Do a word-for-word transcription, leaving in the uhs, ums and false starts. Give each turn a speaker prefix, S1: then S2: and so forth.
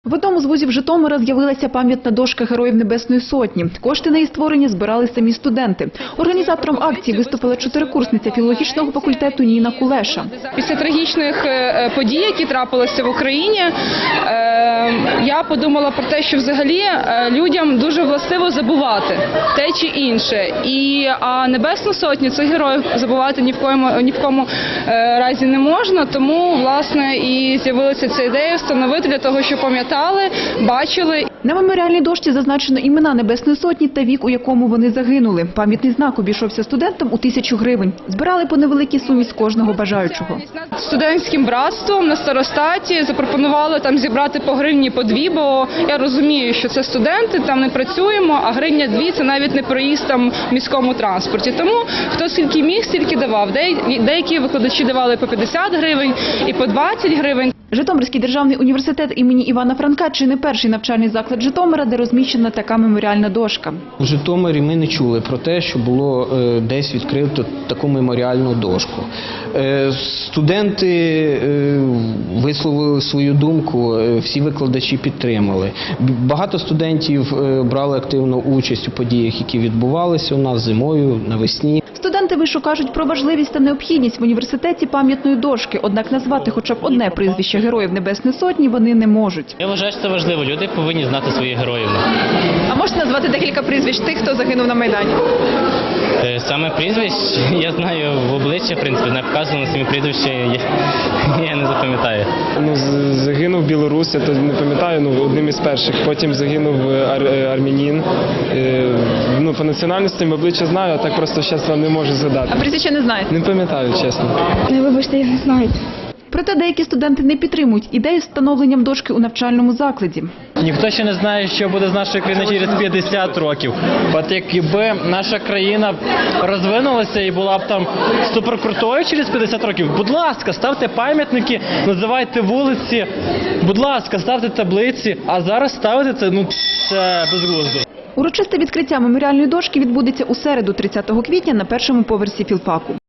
S1: В одному з вузів Житомира з'явилася пам'ятна дошка Героїв Небесної Сотні. Кошти на її створення збирали самі студенти. Організатором акції виступила чотирикурсниця філологічного факультету Ніна Кулеша.
S2: Після трагічних подій, які трапилися в Україні, я подумала про те, що взагалі людям дуже властиво забувати те чи інше. І а Небесну Сотню цих героїв забувати ні в кому, ні в кому разі не можна. Тому, власне, і з'явилася ця ідея встановити для того, щоб пам'ятали, бачили.
S1: На меморіальній дошці зазначено імена Небесної Сотні та вік, у якому вони загинули. Пам'ятний знак обійшовся студентам у тисячу гривень. Збирали по невеликій сумі з кожного бажаючого.
S2: Студентським братством на старостаті запропонували там зібрати по гривні, по дві, бо я розумію, що це студенти, там не працюємо, а гривня дві – це навіть не проїзд там в міському транспорті. Тому хто скільки міг, стільки давав. Деякі викладачі давали по п'ятдесят гривень і по двадцять гривень.
S1: Житомирський державний університет імені Івана Франка – чи не перший навчальний заклад Житомира, де розміщена така меморіальна дошка.
S3: У Житомирі ми не чули про те, що було е, десь відкрито таку меморіальну дошку. Е, студенти е, висловили свою думку, е, всі викладачі підтримали. Багато студентів е, брали активну участь у подіях, які відбувалися у нас зимою, навесні.
S1: Студенти вишу кажуть про важливість та необхідність в університеті пам'ятної дошки, однак назвати хоча б одне прізвище Героїв Небесної Сотні вони не можуть.
S4: Я вважаю, що це важливо. Люди повинні знати своїх героїв.
S1: А можете назвати декілька прізвищ тих, хто загинув на Майдані?
S4: Саме прізвищ я знаю в обличчя, в принципі, не вказано самі прізвища, я, я не запам'ятаю.
S5: Ну, загинув білорус, я то не пам'ятаю, ну, одним із перших. Потім загинув ар армянин. Ну, по національності обличчя знаю, а так просто зараз вам не можу згадати.
S1: А прізвище не знаєте?
S5: Не пам'ятаю, чесно.
S6: Не, вибачте, я не знаю.
S1: Проте деякі студенти не підтримують ідею з встановленням дошки у навчальному закладі.
S7: Ніхто ще не знає, що буде з нашою країною через п'ятдесят років. От якби наша країна розвинулася і була б там суперкрутою через п'ятдесят років, будь ласка, ставте пам'ятники, називайте вулиці, будь ласка, ставте таблиці, а зараз ставити це, ну, це безглуздо.
S1: Урочисте відкриття меморіальної дошки відбудеться у середу, тридцятого квітня, на першому поверсі філфаку.